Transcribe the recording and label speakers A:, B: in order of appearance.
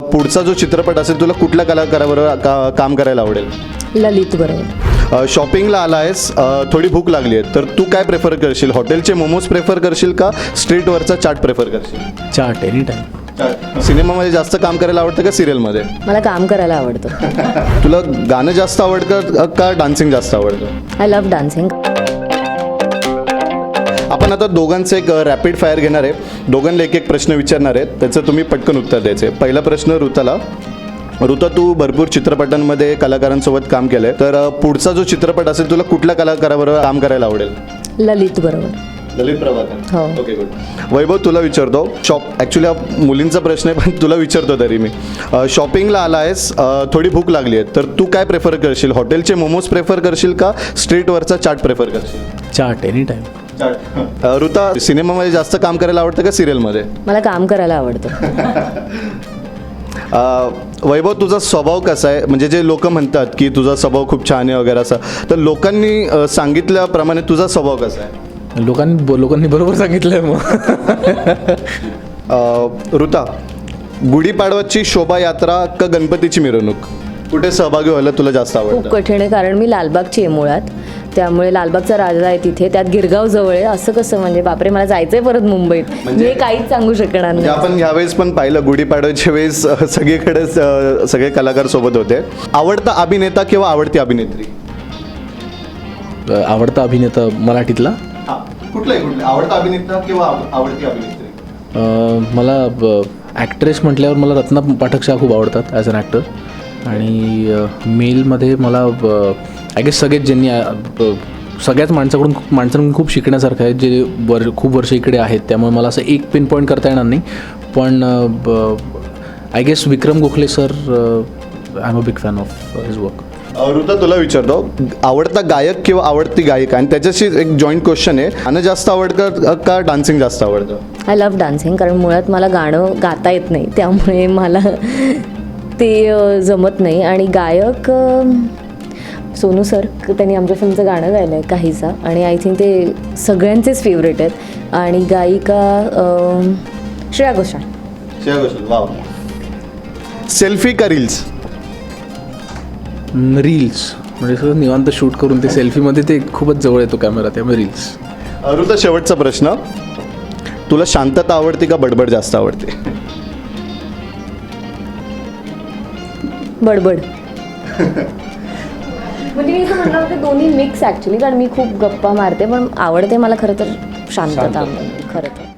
A: पुढचा जो चित्रपट असेल तुला कुठल्या कलाकाराबरोबर काम करायला आवडेल?
B: ललित बरोबर.
A: शॉपिंगला आला आहेस, थोडी भूक लागली आहे, तर तू काय प्रेफर करशील? हॉटेलचे मोमोज प्रेफर करशील का स्ट्रीटवरचा चाट प्रेफर करशील?
C: Chaat any time.
A: सिनेमामध्ये जास्त काम करायला आवडतं का सिरियलमध्ये?
B: मला काम करायला आवडतं.
A: तुला गाणं जास्त आवडतं का डान्सिंग जास्त आवडतं?
B: I love dancing.
A: आपण आता दोघांचं एक रॅपिड फायर घेणार आहे. दोघांना एक एक प्रश्न विचारणार आहेत, त्याचं तुम्ही पटकन उत्तर द्यायचे. पहिला प्रश्न ऋताला. ऋता, तू भरपूर चित्रपटांमध्ये कलाकारांसोबत काम केलंय, तर पुढचा जो चित्रपट असेल तुला कुठल्या कलाकाराबरोबर काम करायला आवडेल?
B: ललित बरोबर.
A: ललित प्रभाकर.
B: हो.
A: Okay, good. वैभव, तुला विचारतो. ॲक्च्युली हा मुलींचा प्रश्न आहे, पण तुला विचारतो तरी मी. शॉपिंगला आला आहेस, थोडी भूक लागली आहे, तर तू काय प्रेफर करशील? हॉटेलचे मोमोज प्रेफर करशील का स्ट्रीटवरचा चाट प्रेफर करशील?
C: Chaat any time.
A: ऋता, सिनेमामध्ये जास्त काम करायला आवडतं का सिरियलमध्ये?
B: मला काम करायला आवडतं.
A: वैभव, तुझा स्वभाव कसा आहे? म्हणजे जे लोक म्हणतात की तुझा स्वभाव खूप छान आहे वगैरे असं, तर लोकांनी सांगितल्याप्रमाणे तुझा स्वभाव कसा आहे?
C: लोकांनी बरोबर सांगितलंय मग.
A: ऋता, गुढीपाडवाची शोभायात्रा का गणपतीची मिरवणूक, कुठे सहभागी व्हायला तुला जास्त
B: खूप
A: आवडतं?
B: कठीण आहे, कारण मी लालबागची आहे मुळात. त्यामुळे लालबागचा राजा आहे तिथे, त्यात गिरगाव जवळ आहे. असं कसं, म्हणजे बापरे, मला जायचंय परत मुंबईत.
A: म्हणजे
B: मी काहीच सांगू शकणार
A: म्हणजे
B: नाही.
A: आपण ह्यावेळेस पण पाहिलं गुढीपाडव्याच्या वेळेस सगळीकडे सगळे कलाकार सोबत होते. आवडता अभिनेता किंवा आवडती अभिनेत्री?
C: आवडता अभिनेता मराठीतला
A: कुठलाही आवडता अभिनेता किंवा आवडती अभिनेत्री?
C: मला ॲक्ट्रेस म्हटल्यावर मला रत्ना पाठक शाह खूप आवडतात ॲज अन ॲक्टर. आणि मेलमध्ये मला आय गेस सगळ्याच माणसांकडून खूप शिकण्यासारखं आहे, जे खूप वर्ष इकडे आहेत. त्यामुळे मला असं एक पिन पॉईंट करता येणार नाही, पण I guess Vikram Gokhale sir, I am a big fan of his work.
A: Ruta, तुला विचारतो. आवडता गायक किंवा आवडती गायिका, आणि त्याच्याशी एक जॉईंट क्वेश्चन आहे, गाणं जास्त आवडतं का डान्सिंग जास्त आवडतं?
B: आय लव्ह डान्सिंग, कारण मुळात मला गाणं गाता येत नाही, त्यामुळे मला ते जमत नाही. आणि गायक सोनू सर, त्यांनी आमच्या फिल्मचं गाणं गायलं आहे काहीसा, आणि आय थिंक ते सगळ्यांचेच फेवरेट आहेत. आणि गायिका श्रेया घोषाल.
A: श्रेया घोषाल, वाव. सेल्फी का रील्स?
C: रील्स, म्हणजे सगळं निवांत शूट करून ते सेल्फीमध्ये ते खूपच जवळ येतो कॅमेरा, त्यामुळे रील्स.
A: ऋता, शेवटचा प्रश्न. तुला शांतता आवडते का बडबड जास्त आवडते?
B: बडबड. म्हणजे मी असं म्हणणार होते दोन्ही मिक्स ॲक्च्युली, कारण मी खूप गप्पा मारते, पण आवडते मला खरं तर शांतता खरं तर.